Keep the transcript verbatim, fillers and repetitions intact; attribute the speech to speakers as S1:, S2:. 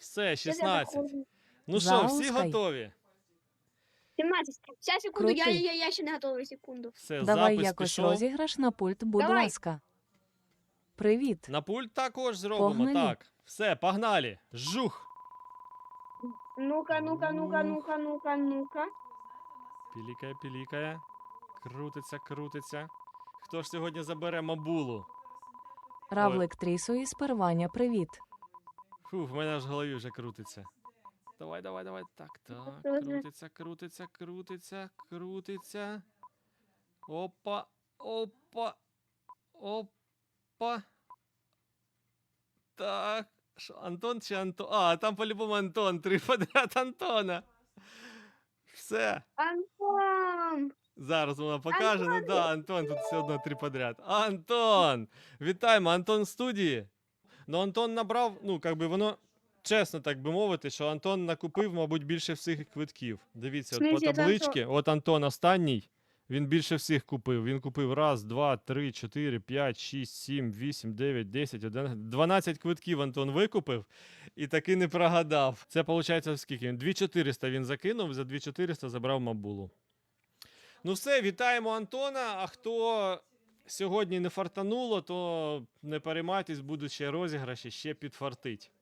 S1: Все,
S2: Сейчас я
S1: шістнадцять.
S2: заходжу.
S1: Ну що, всі
S3: Запускай.
S1: готові?
S2: сімнадцять. Сейчас, секунду, я,
S3: Крутий.
S2: я, я ще не готовий, секунду.
S1: Все,
S3: Давай
S1: запис
S3: якось
S1: пішов.
S3: розіграш на пульт, будь
S2: Давай.
S3: ласка. Привіт.
S1: На пульт також зробимо,
S3: Погнали.
S1: так. Все, погнали. Жух.
S2: Ну-ка, ну-ка, ну-ка, ну-ка, ну-ка, ну-ка.
S1: Пілікає, пілікає. Крутиться, крутиться. Хто ж сьогодні забере мабулу?
S3: Равлик Трісу із Первання, привіт.
S1: Фу, в мене аж в голові вже крутиться. Давай, давай, давай. Так, так.
S2: Що це?
S1: Крутиться, крутиться, крутиться, крутиться. Опа, опа, опа. Так. Що, Антон чи Антон? А, там по-любому Антон. Три подряд Антона. Все.
S2: Антон!
S1: Зараз вона покаже. Ну да, Антон, тут все одно три подряд. Антон! Вітаємо, Антон в студії. Ну, Антон набрав, ну, як би воно, чесно так би мовити, що Антон накупив, мабуть, більше всіх квитків. Дивіться, от по
S2: смислі, це
S1: табличці, от Антон останній, він більше всіх купив. Він купив раз, два, три, чотири, п'ять, шість, сім, вісім, дев'ять, десять, одинадцять, дванадцять квитків Антон викупив і таки не прогадав. Це, виходить, скільки? він? дві тисячі чотириста він закинув, за дві тисячі чотириста забрав мабулу. Ну все, вітаємо Антона, а хто сьогодні не фартануло, то не переймайтесь, будуть ще розіграші, ще підфартить.